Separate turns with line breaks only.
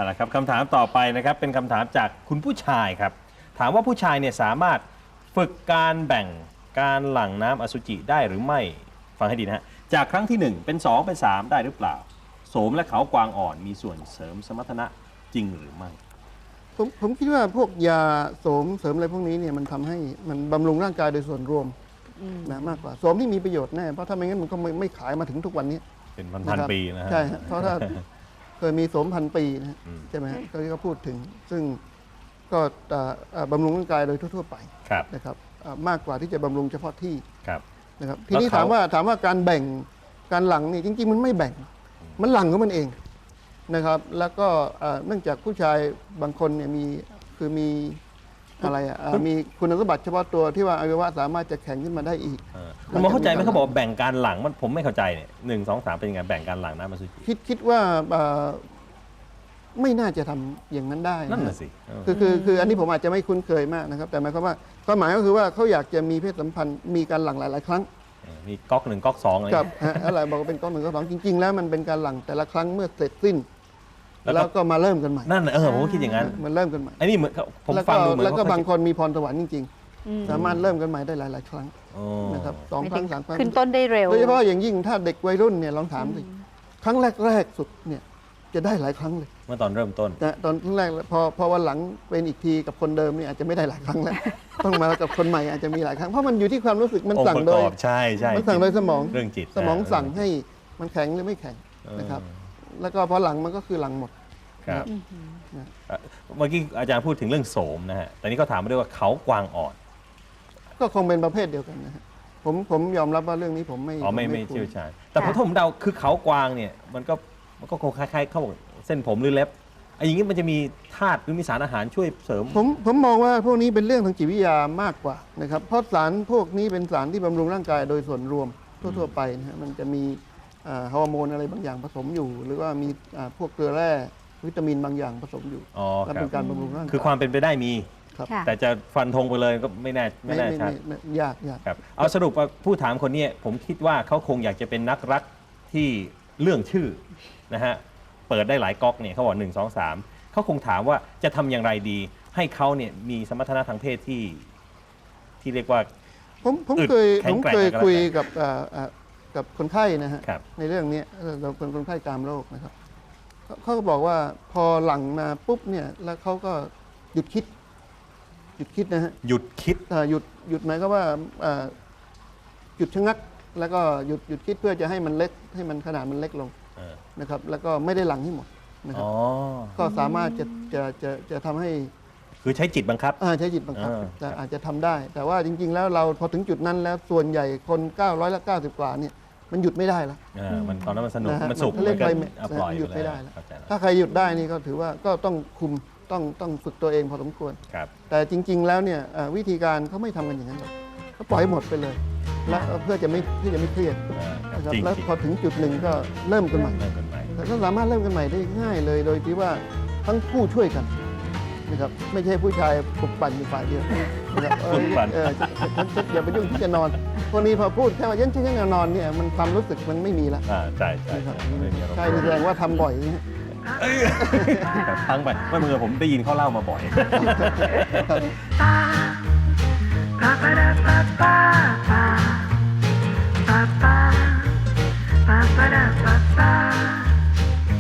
เอาละครับคำถามต่อไปนะครับเป็นคำถามจากคุณผู้ชายครับถามว่าผู้ชายเนี่ยสามารถฝึกการแบ่งการหลั่งน้ำอสุจิได้หรือไม่ฟังให้ดีนะฮะจากครั้งที่ 1 เป็น 2 เป็น 3 ได้หรือเปล่าโสมและเขากวางอ่อนมีส่วนเสริมสมรรถนะจริงหรือไม่
ผมคิดว่าพวกยาโสมเสริมอะไรพวกนี้เนี่ยมันทำให้มันบำรุงร่างกายโดยส่วนรวมนะมากกว่าโสมที่มีประโยชน์แน่เพราะถ้าไม่งั้นมันก็ไม่ขายมาถึงทุกวันนี้
เป็นพันปีนะฮะ
ใช่ฮะเพราะถ้าเคยมีโสมพันปีนะใช่ไหมฮะก็พูดถึงซึ่งก็บำรุงร่างกายโดยทั่วๆไปนะครับมากกว่าที่จะบำรุงเฉพาะที่นะครับทีนี้ถามว่าการแบ่งการหลั่งนี่จริงๆมันไม่แบ่งมันหลั่งของมันเองนะครับแล้วก็เนื่องจากผู้ชายบางคนเนี่ยมีอะไรมีคุณสมบัติเฉพาะตัวที่ว่าอวัยวะสามารถจะแข็งขึ้นมาได้อีก
คุณหมอเข้าใจไหมเขาบอกแบ่งการหลั่งมันผมไม่เข้าใจเนี่ย1 2 3เป็นยังไงแบ่งการหลั่งน้ำอสุจิ
คิดว่าไม่น่าจะทำอย่างนั้นได้
นั่นน่ะสิ
คืออันนี้ผมอาจจะไม่คุ้นเคยมากนะครับแต่หมายความว่าความหมายก็คือว่าเขาอยากจะมีเพศสัมพันธ์มีการหลั่งหลายๆครั้ง
มีก๊อก1ก๊อก2อะไร
ครับอะไรบอกว่าเป็นก๊อก1ก๊อก2จริงๆแล้วมันเป็นการหลั่งแต่ละครั้งเมื่อเสร็จสิ้นแล้วก็มาเริ่มกันใหม่
นั่นผมก็คิดอย่างนั้น
มันเริ่มกันใหม่
อันนี้เหมือนผมฟังดูเหมือน
แล้วก็บางคนมีพรสวรรค์จริงๆสามารถเริ่มกันใหม่ได้หลายๆครั้งนะครับ2 ครั้ง 3 ครั้ง
ขึ้นต้นได้เร็ว
โดยเฉพาะอย่างยิ่งถ้าเด็กวัยรุ่นเนี่ยลองถามสิครั้งแรกสุดเนี่ยจะได้หลายครั้งเลย
เมื่อตอนเริ่มต้น
แต่ตอนแรกพอวันหลังเป็นอีกทีกับคนเดิมเนี่ยอาจจะไม่ได้หลายครั้งแล้วต้องมากับคนใหม่อาจจะมีหลายครั้งเพราะมันอยู่ที่ความรู้สึกมันสั่งโดย
ใช่
มันสั่งโดยสมอง
เรื่องจิต
สมองสั่งให้มันแข็งหรือไม่แข็งนะครับแล้วก็พอหลังมันก็คือหลังหมด
ครับเมื่อกี้อาจารย์พูดถึงเรื่องโสมนะฮะแต่นี้ก็ถามมาด้วยว่าเขากวางอ่อน
ก็คงเป็นประเภทเดียวกันนะฮะผมยอมรับว่าเรื่องนี้ผมไม่
เชี่ยวชาญแต่ผมเดาคือเขากวางเนี่ยมันก็คงคล้ายๆเขาบอกเส้นผมหรือเล็บอย่างนี้มันจะมีธาตุหรือมีสารอาหารช่วยเสริม
ผมมองว่าพวกนี้เป็นเรื่องทางจิตวิทยามากกว่านะครับเพราะสารพวกนี้เป็นสารที่บำรุงร่างกายโดยส่วนรวมทั่วๆไปนะฮะมันจะมีฮอร์โมนอะไรบางอย่างผสมอยู่ หรือว่ามีพวกเกลือแร่วิตามินบางอย่างผสมอยู่และเป็นการบำรุงร่างกาย
คือความเป็นไปได้มีแต่จะฟันธงไปเลยก็ไม่แน่ชัด
ยาก
ครับเอาสรุปว่าผู้ถามคนนี้ผมคิดว่าเขาคงอยากจะเป็นนักรักที่เรื่องชื่อนะฮะเปิดได้หลายก๊อกเนี่ยเขาบอก1 2 3เขาคงถามว่าจะทำอย่างไรดีให้เขาเนี่ยมีสมรรถนะทางเพศที่เรียกว่า
ผมเคยคุยกับคนไข้นะฮะในเรื่องนี้เราเป็นคนไข้กามโรคนะครับเขาก็บอกว่าพอหลังมาปุ๊บเนี่ยแล้วเขาก็หยุดคิดนะฮะ
หยุดคิด
หยุดหมายก็ว่าหยุดชะงักแล้วก็หยุดคิดเพื่อจะให้มันเล็กให้มันขนาดมันเล็กลงนะครับแล้วก็ไม่ได้หลังให้หมดนะครับก็สามารถจะทำให้
คือใช้จิตบังคับ
ใช้จิตบังคับแต่อาจจะทำได้ แต่ว่าจริงๆแล้วเราพอถึงจุดนั้นแล้วส่วนใหญ่คน990 กว่าเนี่ยมันหยุดไม่ได้แล้ว
มันตอนนั้นมันสนุกมันสุข
มันก็หยุดไม่ได้แล้วถ้าใครหยุดได้นี่ก็ถือว่าก็ต้องคุมต้องฝึกตัวเองพอสมควรแต่จริงๆแล้วเนี่ยวิธีการเขาไม่ทำกันอย่างนั้นหรอกเขาปล่อยหมดไปเลยแล้วเพื่อจะไม่เครียดนะครับแล้วพอถึงจุดหนึ่งก็เริ่มกันใหม่แต่ก็สามารถเริ่มกันใหม่ได้ง่ายเลยโดยที่ว่าทั้งคู่ช่วยกันนะครับไม่ใช่ผู้ชายปลุกปั่นอยู่ฝ่ายเดียวนะครับอย่าไปยุ่งที่จะนอนพวกนี้พอพูดแค่ว่ายันที่จะนอนเนี่ยมันความรู้สึกมันไม่มีแล้ว
ใช่
แสดงว่าทำบ่อย
ทั้งไปไม่เหมือนผมได้ยินเขาเล่ามาบ่อย
Ba ba da ba